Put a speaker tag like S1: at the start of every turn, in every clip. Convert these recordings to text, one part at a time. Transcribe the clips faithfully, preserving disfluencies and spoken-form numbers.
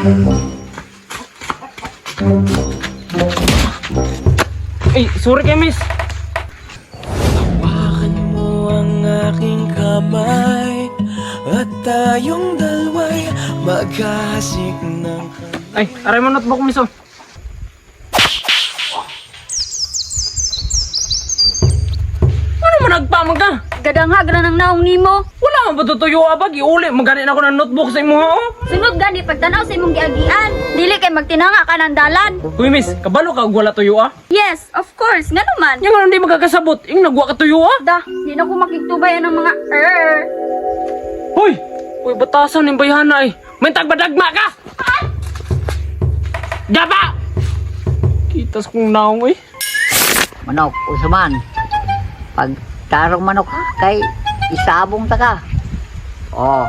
S1: Eh, sorry kay miss.
S2: Hawakan mo ang aking kamay at tayong dalawa'y maghahasik ng
S1: Ay, aray mo notebook miss oh. Ano mo nagpamag ka?
S3: Gadangha gana ng naong nimo.
S1: Wala man ba tutuyo abag? Iuli, maganin ako ng notebook sa imo ha oh.
S3: Sunod gani pagtanaw sa imong giagian. Dili kay magtinanga ka ng dalan.
S1: Uy miss, kabalo ka og wala tuyo ah?
S3: Yes, of course. Nga naman.
S1: Yang ano hindi magkakasabot, yung nagwa ka tuyo ah?
S3: Da, di na ko makiktubayan ng mga er.
S1: Hoy! Uy, batasan ng bayhana eh. May tagbadagma ka! Daba! Kitas kong naong eh.
S4: Manok, usaman. Pag tarong manok ha, kay isabong ta ka. Oh.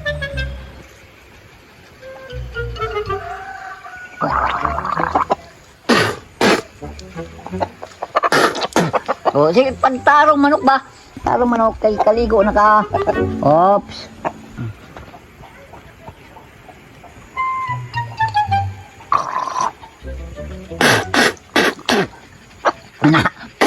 S4: Oh, sige, pag tarong manok ba? Tarong manok kay kaligo na ka. Oops. Na.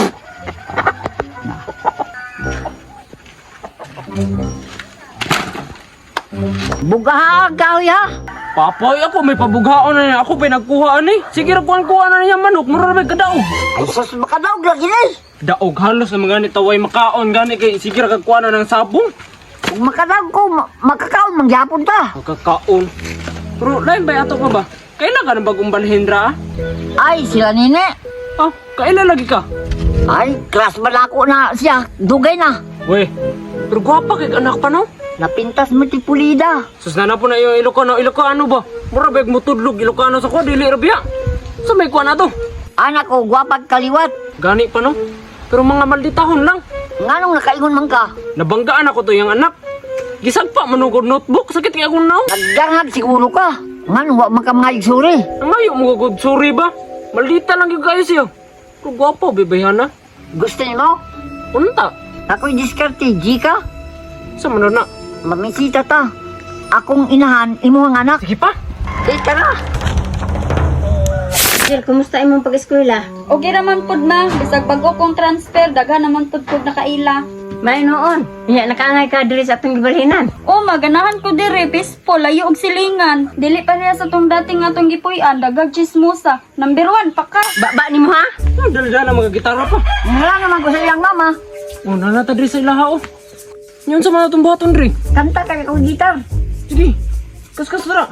S4: Bugahag ka, ya.
S1: Papoy ako, may pabughaon na niya. Ako pa nagkuhaan eh. Sige, kuhaan na niya manok. Marami ka daog.
S4: Ay, sus, makadaog lagi na eh.
S1: Daog halos na mga ni taway makaon. Gani kay sige, kagkuhaan na ng sabong.
S4: Kung makadaog ko, ma makakaon, mangyapon ta.
S1: Magkakaon. Pero lain ba ato ka ba? Kailan ka na bagong balhendra ah?
S4: Ay, sila nini.
S1: Ah, kailan lagi ka?
S4: Ay, class malako na siya. Dugay na.
S1: Weh, pero gwapa kay anak pa no?
S4: Napintas mo ti pulida.
S1: Sus na na po na yung Ilocano. Ilocano ba? Mura bag mo tudlog. Ilocano sa ko, dili rabia. Sa may kuha na to.
S4: Anak ko, gwapag kaliwat.
S1: Gani pa no? Pero mga malditahon lang.
S4: Nganong nakaingon man ka?
S1: Nabanggaan ako to yung anak. Gisagpa manugod notebook. Sakit kaya akong naw.
S4: Nagdangag siguro ka. Nganong wa man ka mga igsuri.
S1: Ang ayo mo gugod. Sorry ba? Maldita lang yung kayo siya. Pero gwapo, bebayana.
S4: Gusto niyo mo?
S1: Unta.
S4: Ako'y diskarte, G ka?
S1: Sa mano na?
S4: Mamisita ta. Akong inahan, imuhang anak.
S1: Sige pa.
S4: Eh, tara.
S5: Jill, kumusta imong pag-eskwela?
S3: Okay naman pud ma. Bisag bago kong transfer, daghan naman pud pud nakaila.
S5: May noon. Iya nakaangay ka diri sa atong gibalhinan.
S3: O, maganahan ko diri, peaceful, layo og silingan. Dili pa niya sa tong dating atong gipuy-an, dagag chismosa. Number one, pa ka.
S5: Baba nimo ha?
S1: Ah, dala-dala mga gitara pa.
S4: Wala naman ko sa iyang mama.
S1: Oh, nanata diri sa ilaha oh. Yun sa mga itong buhaton diri.
S4: Kanta ka kong gitar.
S1: Sige. Kas-kas dara.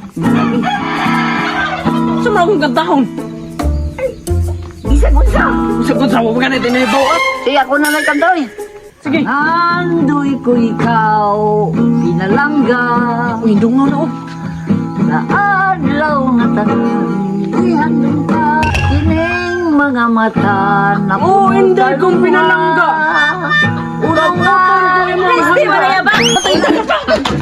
S1: Sa mga akong kantahon.
S4: Bisag unsa.
S1: Sa kung sa mga ganit, inahibaw at.
S4: Sige, ako na nagkanta eh.
S1: Sige.
S4: Andoy ko ikaw, pinalangga.
S1: Uy, dungaw na oh.
S4: Sa adlaw nga tangihan ka, kining mga mata na
S1: Oh, hindi kong pinalangga.
S4: Uraw nga,
S1: Putol ko yung mga
S5: Christy,
S1: handa.
S5: wala ya ba?